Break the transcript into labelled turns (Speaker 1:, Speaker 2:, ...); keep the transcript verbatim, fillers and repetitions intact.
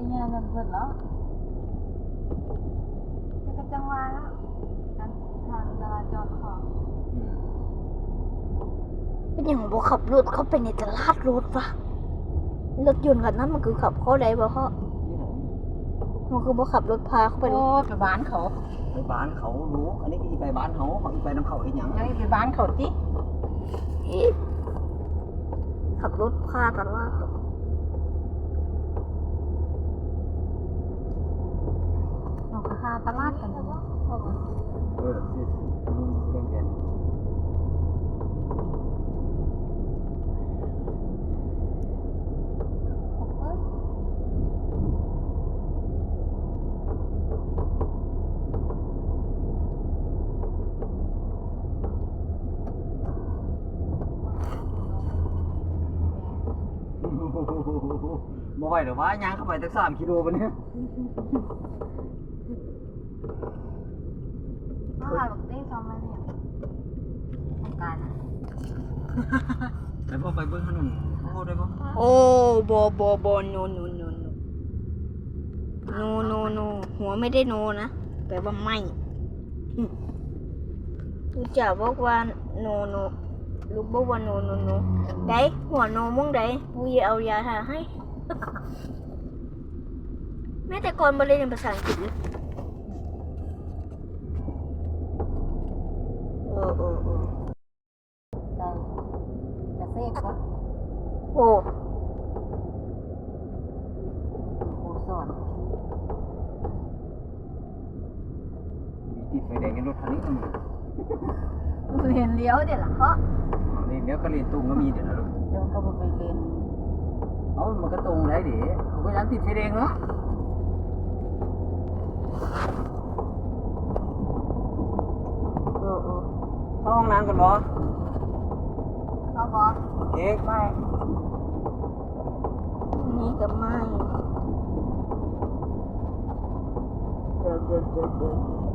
Speaker 1: เนี่ยเงินเพิ่นแล้วจะกระจังหวะแล้วการทางจราจรของ
Speaker 2: เป็นอย่างบ่ขับรถเข้าไปในตลาดรถวะรถยนต์คันนั้นมันคือขับเข้าได้บ่เพราะมันคือบ่ขับรถพาเข้าไป
Speaker 1: โอ้ไปบ้านเขา
Speaker 3: ไปบ้านเขารู้อันนี้ก็อีไปบ้านเขาเขาอีไปน้ำเขาอีหยัง
Speaker 1: ยังไปบ้านเขาติ
Speaker 2: อีขับรถพาตลาด
Speaker 1: เราก็หาตลาดกันอยู่
Speaker 3: เออเก่งเก่งบ่ไหวเดี๋ยวว่าย่างเข้าไปตั้งสามกิโลปะเนี่ย
Speaker 1: มาหาบักเต้ซ้อมมาเนี่ยโครงการนะ
Speaker 3: ไปพ่อไปเบิ้งถนนพ่อได้ป่ะ
Speaker 2: โอ้บอบอบอโนโนโนโนโนโนโนหัวไม่ได้โนนะแปลว่าไม่ลูกจ๋าบอกว่าโนโนลูกบอกว่าโนโนโนได้หัวโนมึงได้กูจะเอายาทาให้ แม่แต่ก่อนมาเรียนภาษาอังกฤษเลยเออเออเออ
Speaker 1: ใจกระเซกวะ
Speaker 2: โอ้
Speaker 1: ครูสอน
Speaker 3: มีติดไฟแดงในรถคันนี้ก็มี
Speaker 1: เรียนเลี้ยวเดี๋ยวล่ะเพราะ
Speaker 3: นี่เดี๋ยวก็เรียนตรงก็มีเดี๋ยวนะลูก
Speaker 1: เดี๋ยวก็บ่ไปเรียน
Speaker 3: เอ้ามันก็ตรงได้ดิเขาก็ยังติดไฟแดงเนาะ
Speaker 2: เออเออ
Speaker 3: เข้าห้องน้ำกันบ่
Speaker 1: เขาบอก
Speaker 3: เอ๊ะ
Speaker 1: ไม่
Speaker 2: นี่ก็ไม่เดี๋ยวเดี๋ยวเดี๋ยวเดี๋ยว